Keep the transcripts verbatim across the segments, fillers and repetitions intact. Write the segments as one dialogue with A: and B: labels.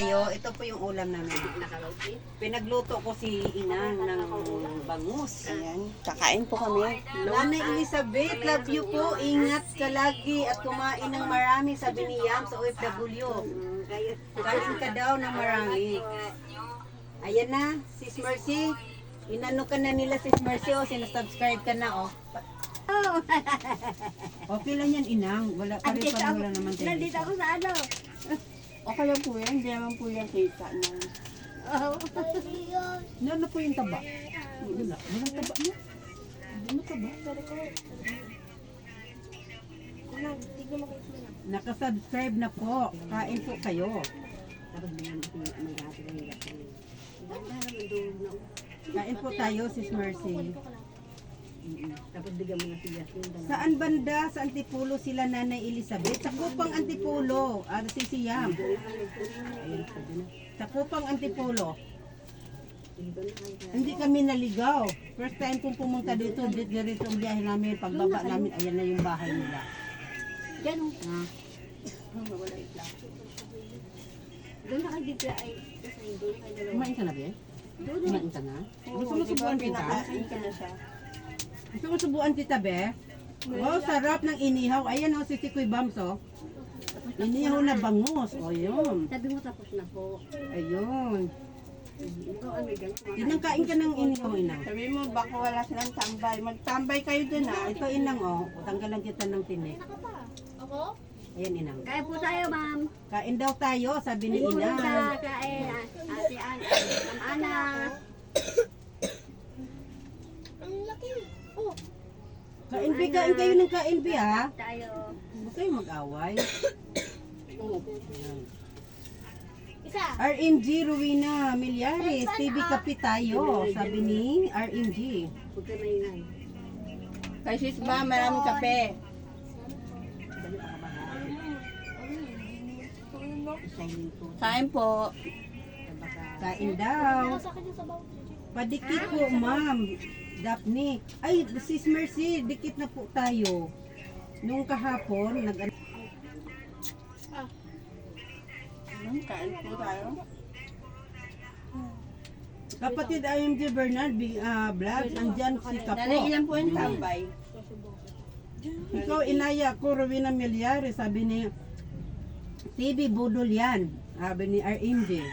A: tayo. Ito po yung ulam namin. Pinagluto ko si Inang ng bangus.
B: Ayan, kakain po kami.
A: Nanay Elizabeth, love you po. Ingat ka lagi at kumain ng marami, sabi ni Yam sa O F W. Kain ka daw ng marami. Ayan na, Sis Mercy. Inano ka na nila, Sis Mercy, o sinasubscribe ka na, o. Okay lang yan, Inang. Wala pa rin pa wala naman tayo.
C: Nandito ako sa ano.
B: Okay lang po yan, hindi naman po yan kita ng...
C: Oh.
A: Ano po yung taba? Wala. Walang taba mo. Ano taba? Nakasubscribe na po. Kain po kayo. Kain po tayo, Sis Mercy.
C: Tapos bigyan mo ng tiyak yun.
A: Saan banda? Sa Antipulo sila Nanay Elizabeth? Sa Kupang Antipulo. Ah, si Siyam. Sa Kupang Antipulo. Hindi kami naligaw. First time kong pumunta dito, dito dito ang biyahe namin. Pagbaba namin, ayan na yung bahay nila.
C: Ganun.
A: Ah.
C: Wala yung plato. Doon na kayo dito ay kasi doon kayo dalawa.
A: Kumain ka na, Be?
C: Doon na.
A: Kumain ka na? Gusto mo
B: di ba
A: subuan kita?
B: pinakain ka na siya?
A: Gusto mo subuan kita, Be? Wow, sarap ng inihaw. Ayan o, si Sikoy Bams, o. Inihaw na bangus. O, yun.
C: Sabi mo tapos na po.
A: Ayun.
C: Ikaw ano yan?
A: Inang kain ka ng inihaw, Inang.
B: Sabi mo, baka wala silang tambay. Magtambay kayo dun ha.
A: Ito, Inang, o. Tanggalan kita ng tinik.
C: Ako?
A: Ayan, Inang.
C: Kaya po tayo, ma'am.
A: Kain daw tayo, sabi ni Inang.
C: Sa kain. Ate An, Ma'am Ana. Ang laki. Oh.
A: Kain, Be, kain kayo ng kain, Be, ha?
C: Tayo.
A: Huwag kayo mag-away.
C: Oh.
A: Ayan.
C: Isa.
A: R M G Rowena Milyares, T V Kapi tayo, sabi ni R M G.
C: Huwag ka maingay.
B: Kay sis ba, maraming kape.
C: Dali pa ka ba? Isayin po.
B: Kain po.
A: Kain daw. Padikit po, ma'am. Daphne. Ay, Sis Mercy, dikit na po tayo. Nung kahapon, nag
B: Ayan, kain po tayo.
A: kapatid R M G Bernard uh, Vlog, andyan si Kapo.
B: Nanay, ilan po yung tambay?
A: Ikaw, inaya ko, Rowena Milyares, sabi ni T V Budol yan, sabi ni R M G.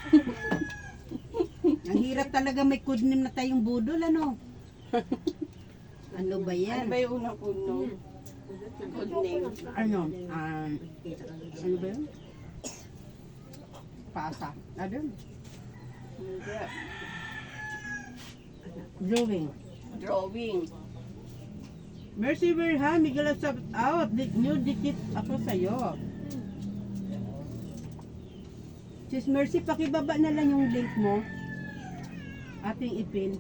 A: Ang hirap talaga may codename na tayong budol, ano? Ano ba
B: Ano
A: yan?
B: ba yung unang puno? Good name.
A: Ano? Um, ano ba yun? Pasa. Ano?
B: Hindi.
A: Drawing.
B: Drawing.
A: Mercy Verhan, Miguel shout out. Di, new dikit ako sa'yo. Sis Mercy, pakibaba na lang yung link mo. Ating ipin.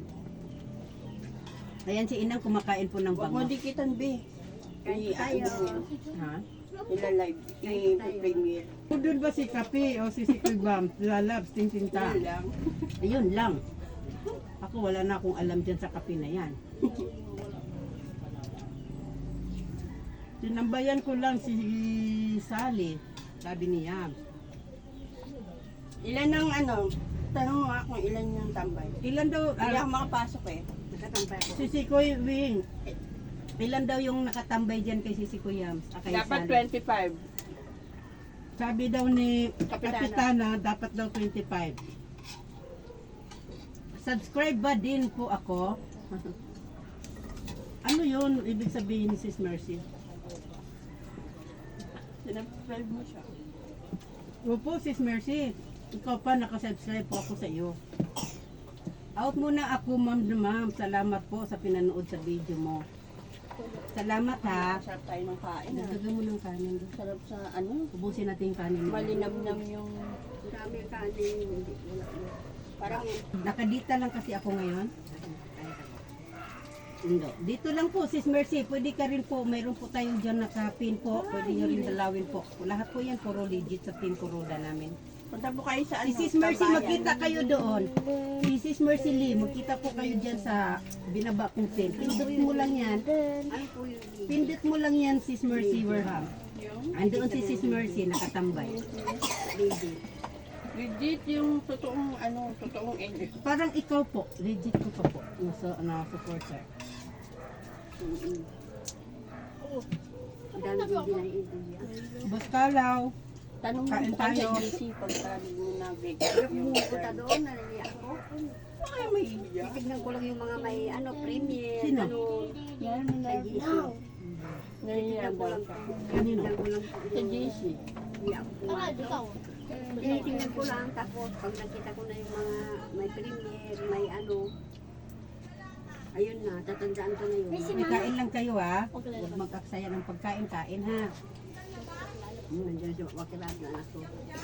A: Ayan si Inang kumakain po ng
B: Huwag mo
A: bango.
B: dikitan, be.
C: Kain tayo.
A: Ha?
B: Ila-live. I-premiere.
A: Budol ba si Kapi o si Sikoy Bam? Lalabs, tintinta.
B: Yun lang.
A: Ayun lang. Ako wala na akong alam dyan sa Kapi na yan. Tinambayan ko lang si Sally. Sabi niya.
B: Ilan ang ano? Tanong mo nga kung ilan yung tambay.
A: Ilan daw?
B: Hindi
A: ah,
B: ako makapasok eh.
C: Nakatampay ako.
A: si Sikoy Wing. Ilan daw yung nakatambay dyan kay si Sikoy Yams? Ah, kay
B: Dapat
A: Sally?
B: twenty-five.
A: Sabi daw ni
B: Kapitana.
A: Kapitana, dapat daw twenty-five. Subscribe ba din po ako? Ano yun? Ibig sabihin ni Sis Mercy?
B: Sinabscribe mo siya.
A: Opo, Sis Mercy. Ikaw pa, nakasubscribe po ako sa iyo. Out muna ako, ma'am na ma'am. Salamat po sa pinanood sa video mo. Salamat ha.
B: Sarap tayo ng kain ah.
A: Nagdagan mo ng kanin. doon.
B: Sarap sa ano?
A: Ubusin natin yung kanin mo.
B: Malinamnam yung...
C: Dami ang kanin. Hindi. Wala.
B: Parang...
A: Nakadita lang kasi ako ngayon. Hindi. Dito lang po, Sis Mercy. Pwede ka rin po. Mayroon po tayong dyan nakapin po. Pwede nyo rin dalawin po. Lahat po yan puro legit sa Team Kuroda namin.
B: Punta po kayo sa
A: Si
B: ano?
A: Sis Mercy,
B: Tambayan.
A: magkita kayo doon. Si Sis Mercy Lee, magkita po kayo dyan sa binaba kong tent. Pindot mo lang yan.
C: Ano po yun?
A: Pindot mo lang yan, Sis Mercy Warham.
B: Yung...
A: Andoon si Sis Mercy, nakatambay.
C: Baby.
B: Legit yung totoong ano, totoong end.
D: Parang ikaw po, legit ko pa po, nasa, na supporter.
C: Mm-mm. Ang dami din din ay ideya.
D: Boss Kalaw,
B: Tanong mo
D: Kain
B: pa
D: tayo.
B: sa G C pagka mo nag-break
C: Pero
B: yung
C: pumupunta doon, naliliya ako.
B: Ay, may iya.
C: Titignan ko lang yung mga may ano, premier,
D: Sino?
C: ano,
B: Yan,
C: sa
B: na
C: G C.
B: Naiya
C: Titignan ko
B: daw
C: lang.
B: ka.
D: Kanino?
C: Titignan ko lang.
B: Sa G C.
C: Hindi ako pumasok. Tinitingnan ko lang, tapos pag nakita ko na yung mga may premier, may ano, ayun na, tatandaan ko na yun.
D: may kain lang kayo ha. Huwag mag-aksaya ng pagkain-kain ha.
C: Hmm, nandiyan si wakilat na anak ko.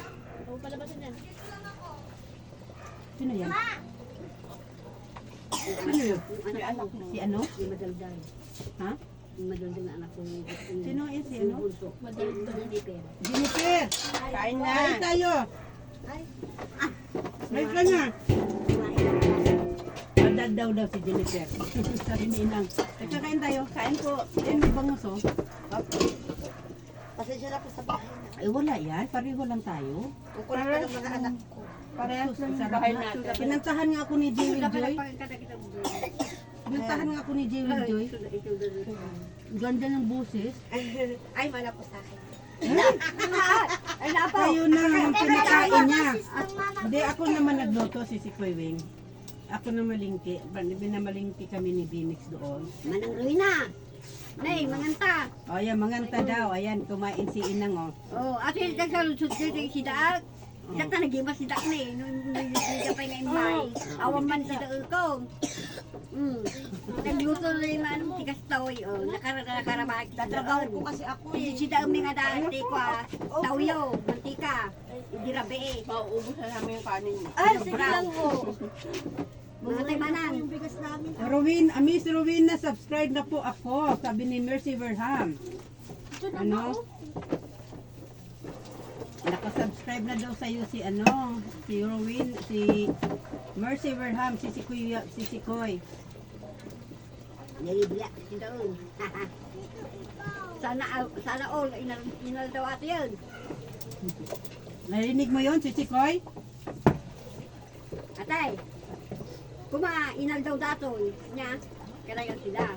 D: Sino yan?
C: Sino yun? Yung
B: Yung
C: anak
B: anak
C: ko,
B: mo.
D: Si ano?
C: yung madaldal.
D: Ha?
C: Yung madaldal na anak ko. yung-
D: Sino yan si
C: yung
D: ano?
C: bunso. Hindi pera.
D: Jennifer!
B: Kain na.
D: Kain tayo!
C: Ay,
D: Live ka na! Madad daw daw si Jennifer. Sabi ni Inang. Teka, kain tayo. Kain po. Eh, may bangus oh.
C: pasensya na po sa bahay na.
D: Ay, wala yan. Pareho lang tayo.
C: Kukulit pa ng mga anak ko.
B: Parehas lang yung
D: Sarap
B: bahay
D: na.
B: natin.
D: Pinantahan nga ako ni Jewel
C: Sudah pala
D: Joy.
C: pagkakita mo.
D: Pinantahan nga ako ni Jewel Joy.
C: Sudah ito doon.
D: Ganda ng boses.
C: Ay, wala po sa akin. Ay, napo.
D: Kayo na naman pinakain niya. Hindi, ako naman nagluto si si Kuy Wing. Ako na malingki. Binamalingki kami ni Binix doon.
C: Manang Ruina. Nay, manganta.
D: O, yan, manganta daw. Ayan, kumain si Inang, oh.
C: Oh, ate nagsalusod dito si Daag. Ikat na nagima si Daag na eh. Nung nagkapay nga imay. Awan man si Daag ko. Hmm. Nagluto na yung ano, tigas taoy. Oh, nakara nakarabag. Tatrabaho ko kasi ako eh. Si Daag may nga dati ko ah. Tawyo, mantika. Hindi rabe eh.
B: Mauubos na namin yung kanin niya.
C: Ay, sige lang po. Mga tayo manang.
D: Rowin, ah, Miss Rowena, subscribe na po ako. Sabi ni Mercy Verham. Ano? Nakasubscribe na daw sa'yo si ano, si Rowin, si Mercy Verham, si si Kuya, si si Koy.
C: Nalibla si Daag. Sana, sana all, inal, inal daw ate yun.
D: Narinig mo yon si si Koy?
C: Atay, kuma inal daw datoy niya, kaya yun sila.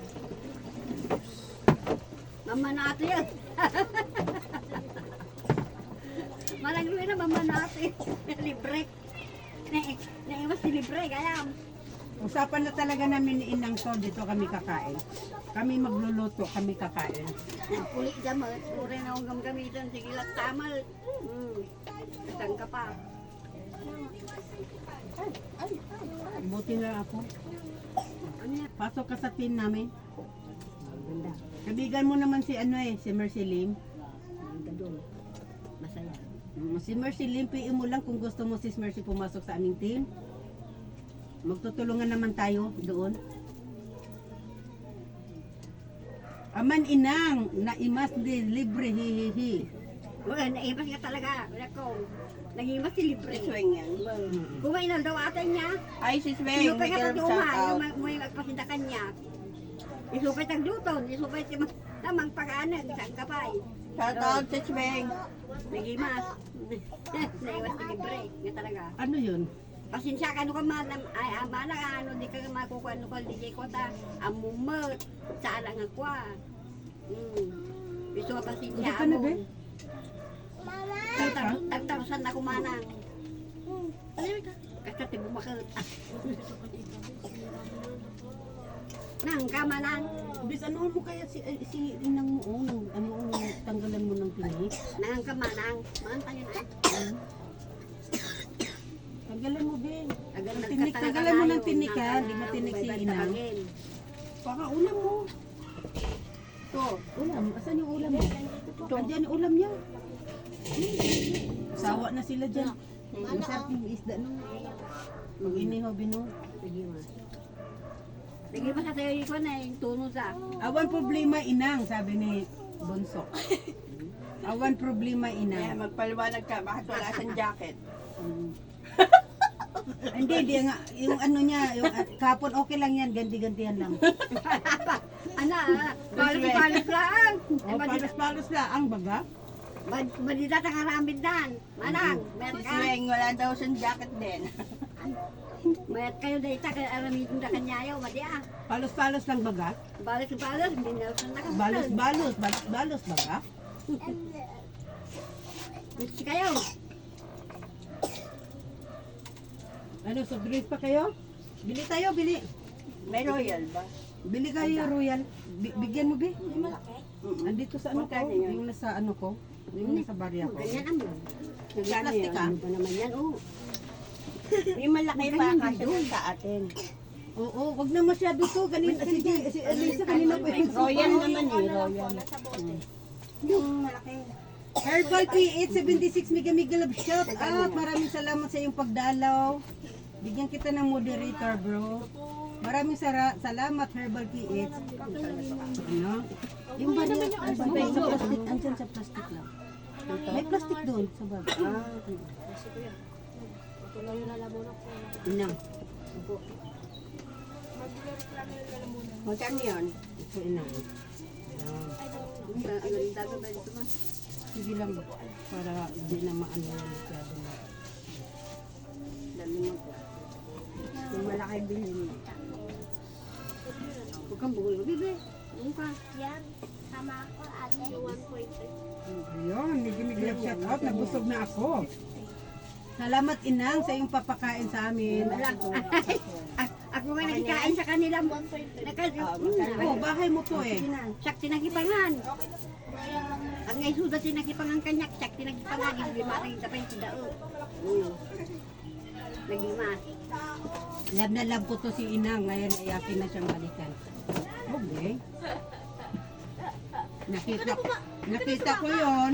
C: Mama na ate yun. Malang na mama na ate. Libre. Na, naiwas si libre, kaya.
D: Usapan na talaga namin ni Inang to, dito kami kakain. Kami magluluto, kami kakain.
C: Puli jamat, puri na akong gamgamitan, sige lang tamal. Hmm, katang ka pa.
D: Buti na ako.
C: Ano yan?
D: Pasok ka sa team namin.
C: Ganda.
D: Kabigan mo naman si ano eh, si Mercy Lim.
C: Ganda doon. Masaya.
D: Mm, Si Mercy Lim, P M mo lang kung gusto mo si Mercy pumasok sa aming team. Magtutulungan naman tayo doon. Aman Inang, naimas di libre hihihi.
C: Wala, naimas ka talaga. Wala ko. Nag-imas si libre.
B: Swing yan.
C: Kung may inal daw ate niya,
B: Ay, si Swing.
C: isupay
B: May
C: ka sa
B: shout
C: tuman,
B: out.
C: yung mo yung agpasindakan niya. Isupay tag luton, isupay si tamang pag-anag, isang kapay.
B: Shout out si Swing.
C: Nagimas. Naiwas si libre. Nga talaga.
D: Ano yun?
C: Pasensya ka, ano ka man, ay, ama na, ano, di ka makukuha, ano ka, di jay ko ta, amumot, sa alang ako, ah. Hmm. Gusto ka pasensya,
D: Hindi ka na, be?
C: Tag- Tagtarusan ako manang. Kasi tibo makot. Nang ka manang.
D: Bis, ano mo kaya si, eh, si Inang mo, oh, nang, ano, oh, tanggalan mo ng tinik?
C: Nang ka manang. Manang tayo na.
D: Tanggalan mo, be.
C: Tagal
D: Tinik,
C: nagkatalaga
D: tanggalan mo ng
C: tayo.
D: tinik, ha?
C: Nang-
D: Di ba tinik si
C: may
D: Inang?
C: bantagin.
D: Baka ulam mo. To, ulam. Asan yung ulam mo? Andiyan yung ulam niya. Sawa na sila dyan. Masarap yung isda no. Mag-iniho, bino.
C: Sige mas. Sige mas sa tayo ko na yung tuno sa.
D: Awan problema inang, sabi ni Bunso. Awan problema
B: Kaya
D: inang.
B: magpaliwanag ka, bakit wala siyang jacket?
D: Hindi, hindi nga. Yung ano niya, yung uh, kapon okay lang yan, ganti-gantihan lang.
C: Ana, balas-balas lang.
D: O, palos-palos lang ang baga.
C: Bad- Badida ta karamid dan. Manang, mayat
B: Si
C: ka.
B: Weng, wala daw siyang jacket din.
C: Mayat kayo dahil ta kay aramid da kanyayo, madi ah.
D: Palos-palos lang baga?
C: Balos-balos, hindi na sa nakasal.
D: Balos-balos, balos-balos baga?
C: Gusto kayo.
D: Ano, soft drinks pa kayo? Bili tayo, bili.
B: May royal ba?
D: Bili kayo, Royal. Bi- bigyan mo, Bi. Andito sa ano ko,
B: Magkano yun?
D: yung nasa ano ko, yung nasa barya ko.
C: Ganyan ang mo.
B: May plastic ah.
C: Ano ba naman yan? Oh.
B: Yung malaki pa kasi sa atin.
D: Oo, wag na masyado to. Kanina, sige, si Elisa kanina pa yung
B: Royal naman eh, royal.
C: Yung malaki.
D: Herbal P eight seventy-six Mega Mega Love Shop. At maraming salamat sa iyong pagdalaw. Bigyan kita ng moderator, bro. Maraming sara- salamat, Herbal P eight. Ano? Yung ba niya? Sa plastic, andyan sa plastic lang. May plastic doon sa bag. Ah, inang.
B: Magkano yun?
D: Ito inang. Ah,
C: Ano yung dagat ba dito ma?
D: sige lang, para hindi na maano yung masyado na.
C: Dami mo po. Yung malaki bilhin mo. Huwag kang bugol. Bibi. Huwag ka.
E: Yan, sama ako ate. one point three.
D: Ayun, Mega Mega Love shout out. Nabusog na ako. Salamat inang sa iyong papakain sa amin.
C: Wala. A- Ako nga nakikain sa kanila. Naka,
D: Oh, bahay mo to eh.
C: Sak tinagipangan. Ang ngay suda tinagipangan kanyak. Sak tinagipangan. Lima rin sa pa yung sidao. Naglima.
D: Love na love ko to si inang. Ngayon ay akin na siyang balikan. Okay. Nakita ko, nakita ko yon.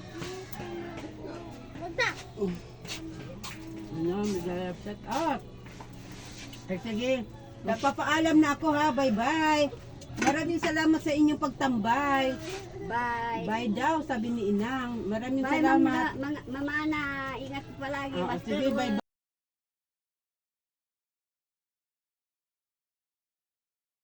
D: Ano, Mega Love shout out. Ay, sige. Napapaalam na ako ha. Bye-bye. Maraming salamat sa inyong pagtambay.
C: Bye.
D: Bye daw, sabi ni Inang. Maraming
C: Bye,
D: salamat.
C: mga, mga, mama na. Ingat palagi.
D: Oo,
C: Basta
D: sige, bye-bye.